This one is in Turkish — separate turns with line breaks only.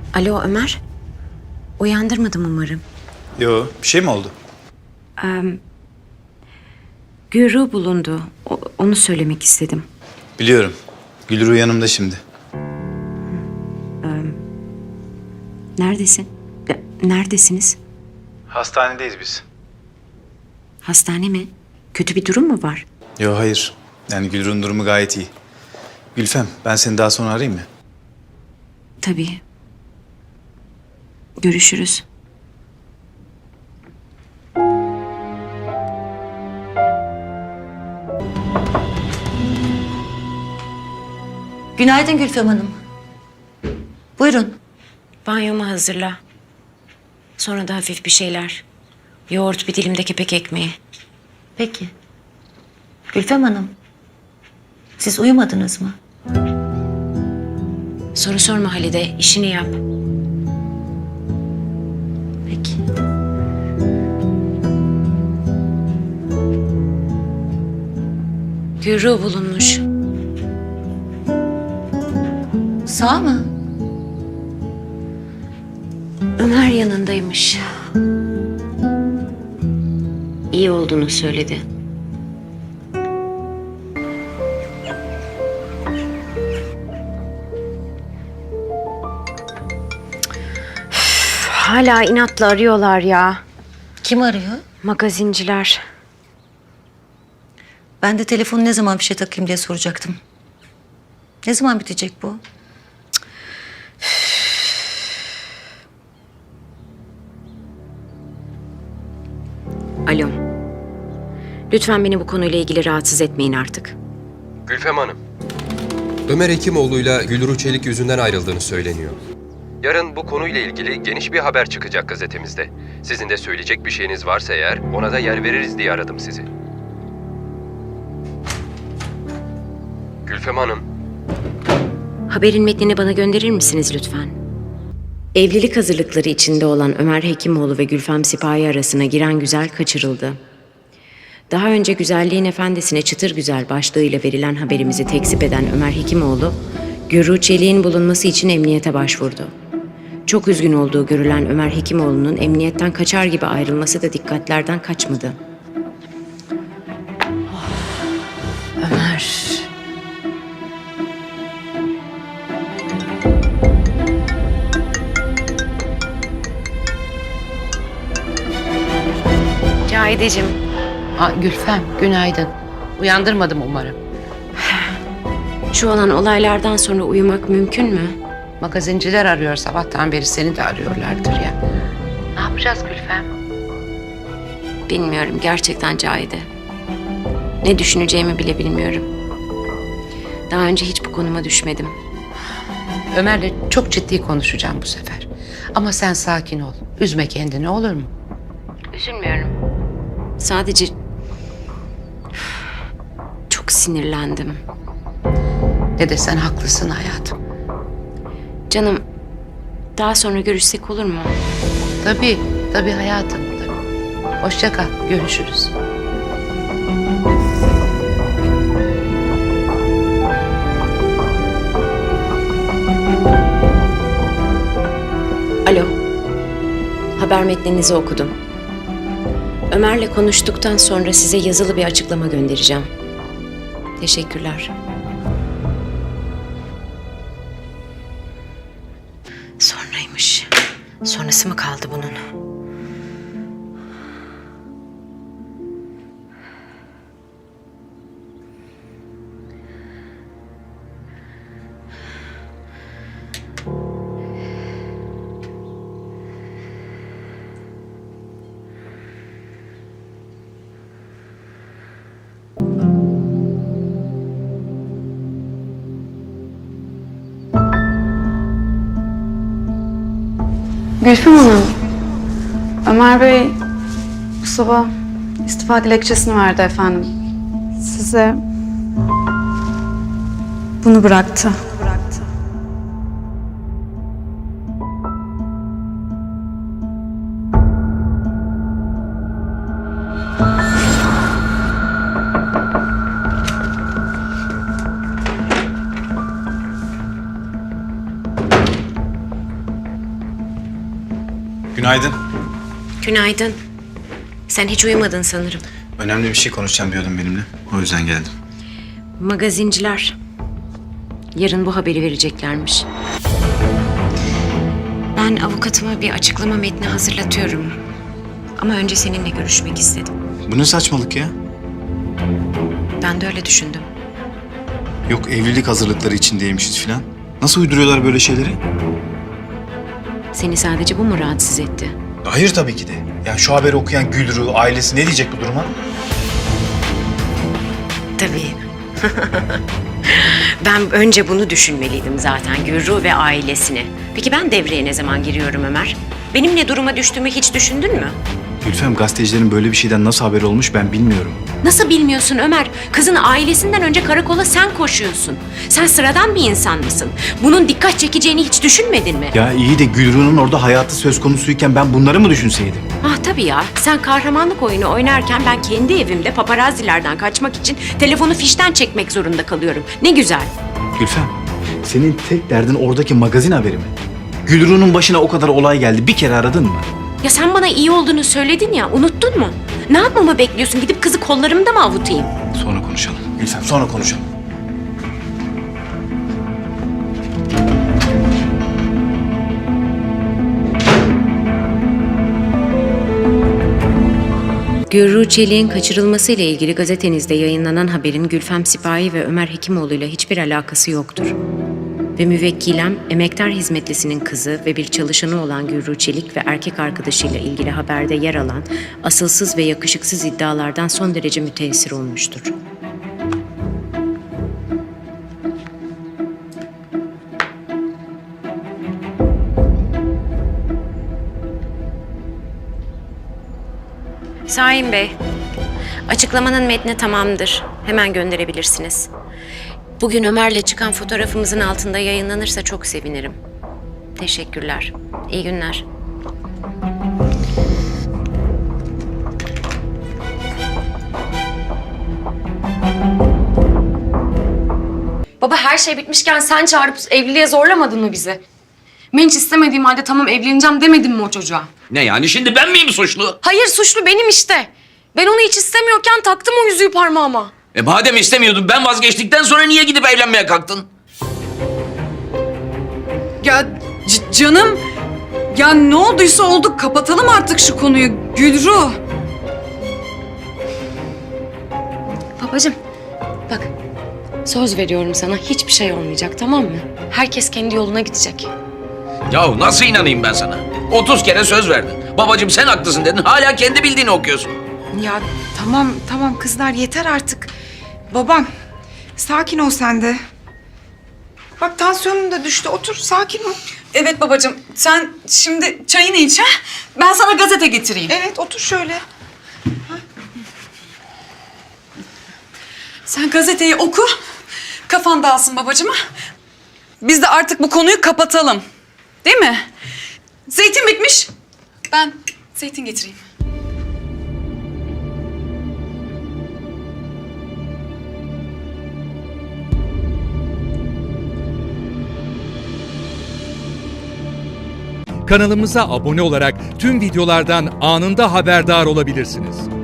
Alo Ömer. Uyandırmadım umarım.
Yo, bir şey mi oldu?
Gürü bulundu. Onu söylemek istedim.
Biliyorum. Gülru yanımda şimdi.
Neredesin? Neredesiniz?
Hastanedeyiz biz.
Hastane mi? Kötü bir durum mu var?
Yo, hayır. Yani Gülru'nun durumu gayet iyi. Gülfem, ben seni daha sonra arayayım mı?
Tabii. Görüşürüz.
Günaydın Gülfem Hanım. Buyurun.
Banyomu hazırla. Sonra da hafif bir şeyler. Yoğurt, bir dilim de kepek ekmeği.
Peki. Gülfem Hanım, siz uyumadınız mı?
Soru sorma Halide, işini yap.
Peki.
Gürü bulunmuş.
Sağ mı?
Ömer yanındaymış. İyi olduğunu söyledi. Hala inatla arıyorlar ya.
Kim arıyor?
Magazinciler.
Ben de telefonu ne zaman fişe takayım diye soracaktım. Ne zaman bitecek bu?
Alo. Lütfen beni bu konuyla ilgili rahatsız etmeyin artık.
Gülfem Hanım, Ömer Hekimoğlu'yla Gülru Çelik yüzünden ayrıldığını söyleniyor. Yarın bu konuyla ilgili geniş bir haber çıkacak gazetemizde. Sizin de söyleyecek bir şeyiniz varsa eğer ona da yer veririz diye aradım sizi. Gülfem Hanım,
Haberin metnini bana gönderir misiniz lütfen? Evlilik hazırlıkları içinde olan Ömer Hekimoğlu ve Gülfem Sipahi arasına giren güzel kaçırıldı. Daha önce güzelliğin efendisine çıtır güzel başlığıyla verilen haberimizi tekzip eden Ömer Hekimoğlu, Gürru Çelik'in bulunması için emniyete başvurdu. Çok üzgün olduğu görülen Ömer Hekimoğlu'nun emniyetten kaçar gibi ayrılması da dikkatlerden kaçmadı. Ömer... Cahideciğim,
Gülfem, günaydın. Uyandırmadım umarım.
şu olan olaylardan sonra uyumak mümkün mü?
Magazinciler arıyor, sabahtan beri seni de arıyorlardır ya. Ne yapacağız Gülfem?
Bilmiyorum gerçekten Cahide. Ne düşüneceğimi bile bilmiyorum. Daha önce hiç bu konuma düşmedim.
Ömer'le çok ciddi konuşacağım bu sefer. Ama sen sakin ol. Üzme kendini, olur mu?
Üzülmüyorum. Sadece çok sinirlendim.
Ne desen haklısın hayatım.
Canım, daha sonra görüşsek olur mu?
Tabii, tabii hayatım. Tabii. Hoşça kal, görüşürüz.
Alo. Haber metninizi okudum. Ömer'le konuştuktan sonra size yazılı bir açıklama göndereceğim. Teşekkürler. Sonraymış. Sonrası mı kaldı bunun?
Gülfem Hanım, Ömer Bey bu sabah istifa dilekçesini verdi efendim. Size bunu bıraktı.
Günaydın.
Günaydın. Sen hiç uyumadın sanırım.
Önemli bir şey konuşacağım diyordun benimle. O yüzden geldim.
Magazinciler yarın bu haberi vereceklermiş. Ben avukatıma bir açıklama metni hazırlatıyorum. Ama önce seninle görüşmek istedim.
Bu ne saçmalık ya?
Ben de öyle düşündüm.
Yok evlilik hazırlıkları içindeymişiz falan. Nasıl uyduruyorlar böyle şeyleri?
Seni sadece bu mu rahatsız etti?
Hayır tabii ki de. Ya şu haberi okuyan Gülru, ailesi ne diyecek bu duruma?
Tabii. Ben önce bunu düşünmeliydim zaten, Gürru ve ailesini. Peki ben devreye ne zaman giriyorum Ömer? Benim ne duruma düştüğümü hiç düşündün mü?
Gülfem, gazetecilerin böyle bir şeyden nasıl haberi olmuş ben bilmiyorum.
Nasıl bilmiyorsun Ömer? Kızın ailesinden önce karakola sen koşuyorsun. Sen sıradan bir insan mısın? Bunun dikkat çekeceğini hiç düşünmedin mi?
Ya iyi de Gülru'nun orada hayatı söz konusuyken ben bunları mı düşünseydim?
Ah tabii ya. Sen kahramanlık oyunu oynarken ben kendi evimde paparazzilerden kaçmak için telefonu fişten çekmek zorunda kalıyorum. Ne güzel.
Gülfem, senin tek derdin oradaki magazin haberi mi? Gülru'nun başına o kadar olay geldi. Bir kere aradın mı?
Ya sen bana iyi olduğunu söyledin ya, unuttun mu? Ne yapmamı bekliyorsun? Gidip kızı kollarımda mı avutayım?
Sonra konuşalım. Gülfem, sonra konuşalım.
Gürru Çelik'in kaçırılmasıyla ilgili gazetenizde yayınlanan haberin Gülfem Sipahi ve Ömer Hekimoğlu'yla hiçbir alakası yoktur. Ve müvekkilem, emektar hizmetlisinin kızı ve bir çalışanı olan Gürru Çelik ve erkek arkadaşıyla ilgili haberde yer alan asılsız ve yakışıksız iddialardan son derece müteessir olmuştur. Şahin Bey, açıklamanın metni tamamdır. Hemen gönderebilirsiniz. Bugün Ömer'le çıkan fotoğrafımızın altında yayınlanırsa çok sevinirim. Teşekkürler. İyi günler.
Baba her şey bitmişken sen çağırıp evliliğe zorlamadın mı bizi? Ben hiç istemediğim halde tamam evleneceğim demedim mi o çocuğa?
Ne yani şimdi ben miyim suçlu?
Hayır suçlu benim işte. Ben onu hiç istemiyorken taktım o yüzüğü parmağıma.
Madem istemiyordun ben vazgeçtikten sonra niye gidip evlenmeye kalktın?
Ya canım, ya ne olduysa oldu. Kapatalım artık şu konuyu Gülru.
Babacığım bak söz veriyorum sana hiçbir şey olmayacak tamam mı? Herkes kendi yoluna gidecek.
Yahu nasıl inanayım ben sana? 30 kere söz verdin. Babacığım sen haklısın dedin. Hala kendi bildiğini okuyorsun.
Ya tamam kızlar yeter artık. Babam sakin ol sen de. Bak tansiyonum da düştü. Otur sakin ol.
Evet babacığım, sen şimdi çayını iç ha. Ben sana gazete getireyim.
Evet otur şöyle.
Sen gazeteyi oku. Kafan dağılsın babacığım ha. Biz de artık bu konuyu kapatalım. Değil mi? Zeytin bitmiş. Ben zeytin getireyim.
Kanalımıza abone olarak tüm videolardan anında haberdar olabilirsiniz.